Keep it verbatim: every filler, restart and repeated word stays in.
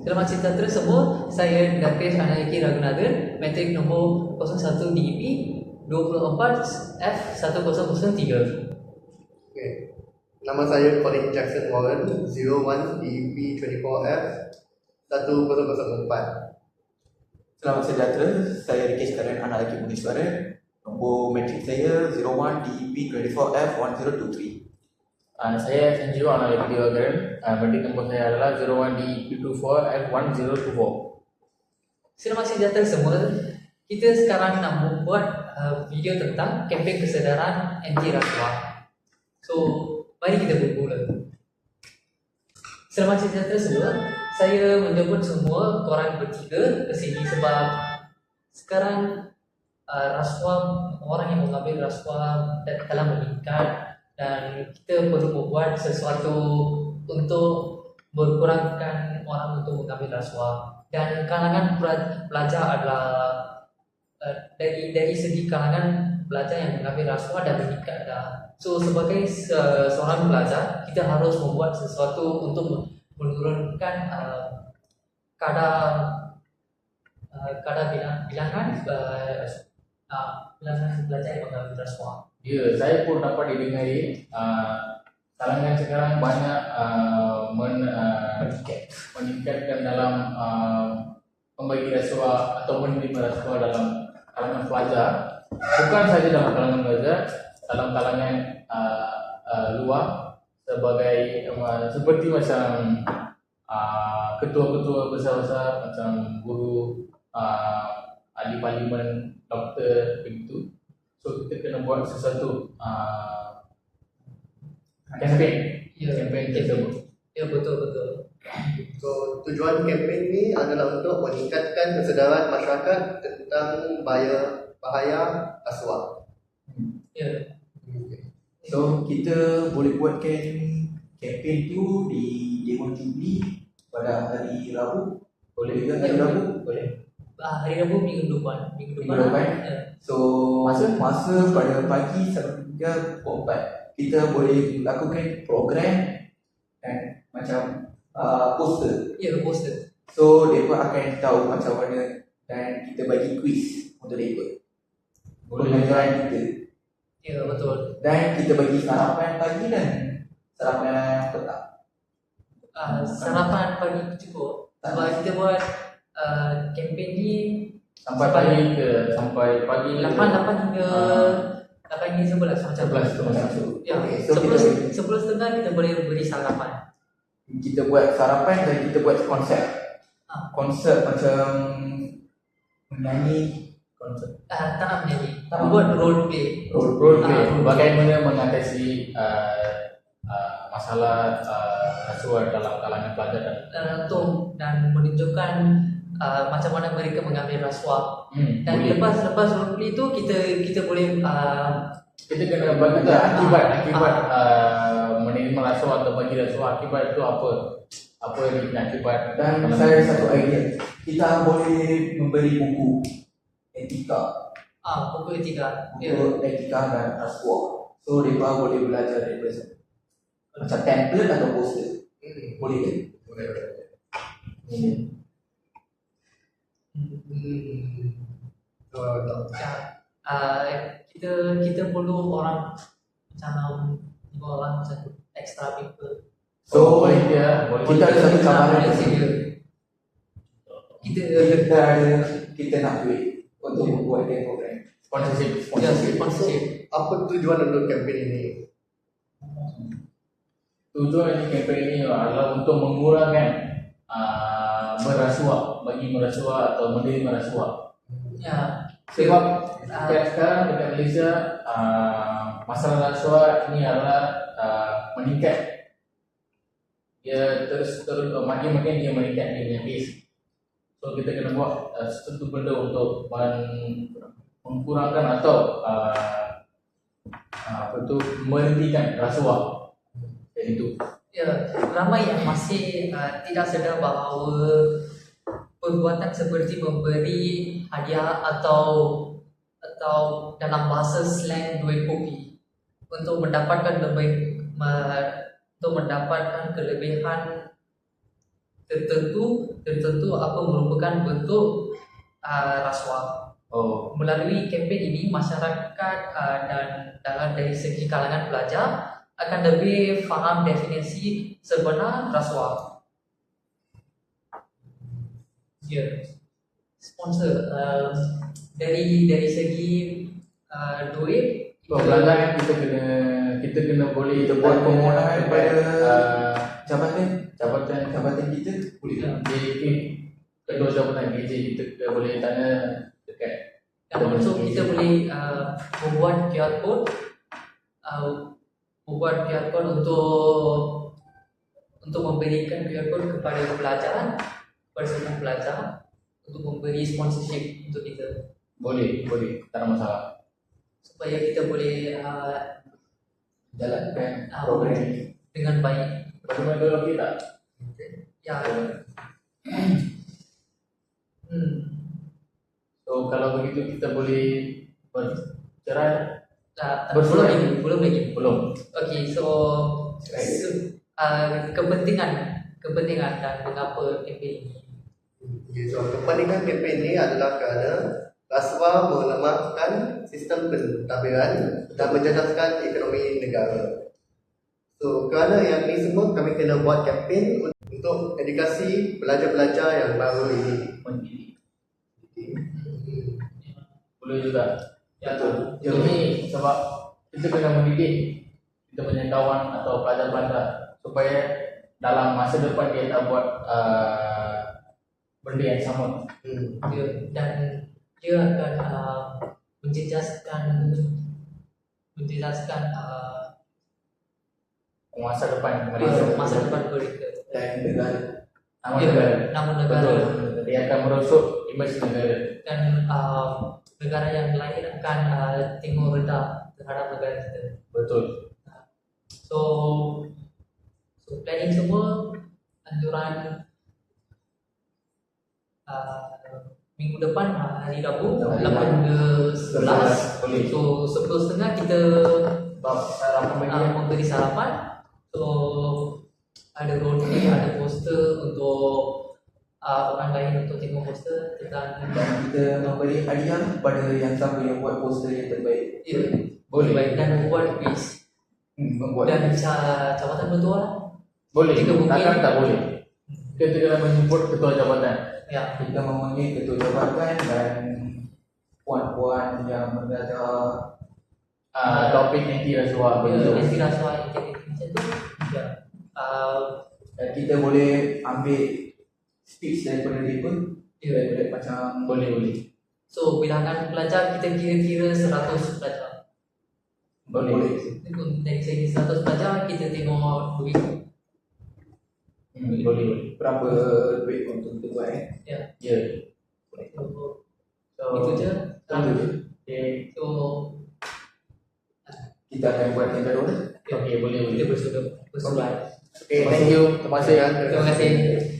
Selamat sejahtera semua, saya Dakesh Anayaki Raghunathan, metrik nombor kosong satu D E P dua puluh empat F satu kosong kosong tiga. Okay. Nama saya Colin Jackson Warren, zero one D E P dua puluh empat F satu kosong kosong empat. Selamat sejahtera, saya Rikesh Karen Anayaki Muniswaran, nombor metrik saya zero one D E P dua puluh empat F satu kosong dua tiga. Uh, saya Sanjeev Anayaki Diwakaran, uh, metrik nombor saya adalah zero one D E P dua puluh empat F satu kosong dua empat. Selamat sejahtera semua, kita sekarang nak membuat uh, video tentang kempen kesedaran anti rasuah. So, mari kita bermula. Selamat sejahtera semua, saya menjemput semua korang bertiga ke sini sebab sekarang uh, rasuah, orang yang mengambil rasuah telah meningkat dan kita perlu membuat sesuatu untuk berkurangkan orang untuk mengambil rasuah. Dan kalangan pelajar adalah uh, dari dari segi kalangan pelajar yang mengambil rasuah dan meningkat dah. So sebagai se- seorang pelajar, kita harus membuat sesuatu untuk menurunkan uh, kadar uh, kadar bilang, bilangan uh, uh, bilangan pelajar yang mengambil rasuah. Ya, saya pun dapat didengari uh, kalangan sekarang banyak uh, men, uh, meningkatkan dalam uh, membagi rasuah atau menerima rasuah dalam kalangan pelajar. Bukan saja dalam kalangan pelajar, dalam kalangan uh, uh, luar sebagai uh, seperti macam uh, ketua-ketua besar-besar macam guru, uh, ahli parlimen, doktor begitu. So kita kena buat sesuatu uh, campaign, Ya, campaign campaign. tersebut. Ya, betul betul. So, tujuan kempen ni adalah untuk meningkatkan kesedaran masyarakat tentang bahaya bahaya rasuah. Ya. Okay. So kita boleh buatkan kempen tu di Dewan Jubli pada hari Rabu. Boleh juga hari Rabu? Boleh. Ah, hari Rabu minggu depan, minggu depan. Minggu depan? Ya. So masa masa pada pagi sampai tiga pukul empat kita boleh lakukan program kan, macam uh, poster. Ya, poster. So mereka akan tahu macam mana dan kita bagi quiz untuk mereka. Pembelajaran kita. Ya, betul. Dan kita bagi sarapan pagi dan sarapan petang. Uh, sarapan pagi cukup. Sebab kita buat uh, kempen ni Sampai Sampai- pagi ke sampai pagi lapan lapan hingga Ah. lapan hingga sebelas macam sebelas tu macam tu. Ya, Okay, so sepuluh kita- sepuluh setengah kita boleh beri sarapan. Kita buat sarapan dan kita buat konsep. Ah. Konsep macam menyanyi, Konsep Uh, tak nak menyanyi. Tak. Buat role play. role role Ah, play, role play. bagaimana mengatasi uh, uh, masalah uh, rasuah dalam kalangan pelajar dan Uh, untuk dan menunjukkan uh, macam mana mereka mengambil rasuah. hmm, Dan boleh. lepas lepas role play tu kita kita boleh uh, Kita kena bagi tahu akibat Ah. akibat uh, menerima rasuah atau bagi rasuah, akibat itu apa? Apa ni akibat? dan dalam- saya satu idea. Kita boleh memberi buku etika, ah buku etika. Ya. buku etika dan rasuah. So mereka boleh belajar daripada sana. Macam template atau poster. Hmm. Boleh ke? Boleh, boleh. Hmm. Hmm. So, tak. Ya. Uh, kita kita perlu orang macam dua orang macam extra people. So boleh dia, boleh kita ada satu cabaran boleh di sini. sedia. Kita Kita ada kita nak duit untuk membuat dia program. sponsorship, ya sponsorship. sponsorship. Apa tujuan untuk kempen ini? Tujuan ini kempen ini adalah untuk mengurangkan uh, merasuah, bagi merasuah atau menerima rasuah. Ya. Sebab Ah. uh, sekarang dekat Malaysia uh, masalah rasuah ini adalah uh, meningkat. Dia terus terus uh, makin makin dia meningkat dia punya pace. So kita kena buat uh, sesuatu benda untuk men- mengkurangkan atau uh, uh, apa tu menghentikan rasuah. Jadi itu. Ya, ramai yang masih uh, tidak sedar bahawa perbuatan seperti memberi hadiah atau atau dalam bahasa slang duit kopi untuk mendapatkan lebih me, untuk mendapatkan kelebihan tertentu tertentu apa merupakan bentuk uh, rasuah. Oh, Melalui kempen ini masyarakat uh, dan dalam dari segi kalangan pelajar akan lebih faham definisi sebenar rasuah. Ya, sponsor uh, dari dari segi uh, duit pembelajaran kita kena kita kena boleh Kita buat permohonan pada uh, jabatan jabatan jabatan kita boleh. Ya. D K kedua jabatan D J kita kita boleh tanya dekat dan also kita boleh uh, membuat Q R code uh, membuat Q R code untuk untuk memberikan Q R code kepada pelajar kepada semua pelajar untuk memberi sponsorship untuk kita boleh boleh tak ada masalah. supaya kita boleh uh, Jalankan uh, program ini. dengan baik. Bagaimana kalau kita Ya. Hmm. so kalau begitu kita boleh bercerai Uh, Bersurat. belum lagi, belum lagi. belum? Okay, so, so uh, kepentingan kepentingan dan mengapa kempen ini. Okay, so kepentingan kempen ini adalah kerana rasuah melemahkan sistem pentadbiran dan menjejaskan ekonomi negara. So kerana yang ini semua kami kena buat kempen untuk edukasi pelajar-pelajar yang baru ini. Mendidik. Hmm. Boleh juga. Ya, Ini sebab kita kena mendidik kita punya kawan atau pelajar-pelajar supaya dalam masa depan dia tak buat uh, benda yang sama. Hmm. dia, dan dia akan uh, menjejaskan menjejaskan uh, Masa depan masa, mereka. masa depan mereka. Dan negara. Nama Ya, negara. namun negara Betul. Dia akan merosot imej negara. dan uh, negara yang lain akan uh, tengok rendah terhadap negara kita. Betul. So, so planning semua anjuran uh, minggu depan uh, hari Rabu Hari lapan hingga sebelas. Boleh. So sepuluh setengah kita Bab sarapan bagi uh, memberi sarapan. So ada roti, ada poster untuk uh, orang lain untuk tengok poster tentang Dan kita memberi hadiah kepada yang siapa yang buat poster yang terbaik. ya, Boleh. baik dan membuat quiz Hmm, membuat dan ca- jabatan ketua. Boleh. Jika mungkin- Takkan tak boleh. Kita kena menjemput ketua jabatan. Ya, kita memanggil ketua jabatan dan puan-puan yang mengajar Uh, topik anti rasuah ya, begitu. anti rasuah integritas macam tu. Ya. Uh, dan kita boleh ambil speech daripada dia pun ya. daripada macam Boleh boleh. So bilangan pelajar kita kira-kira seratus pelajar. Boleh. boleh. Dari segi seratus pelajar kita tengok duit. Hmm, boleh boleh. Berapa duit untuk kita buat eh? Ya. Ya. So, So itu je. Itu je. Okay. So Kita akan buat yang baru. Okay, boleh boleh. kita bersurat. Bersurat. Okay, thank you. Terima kasih. Terima kasih.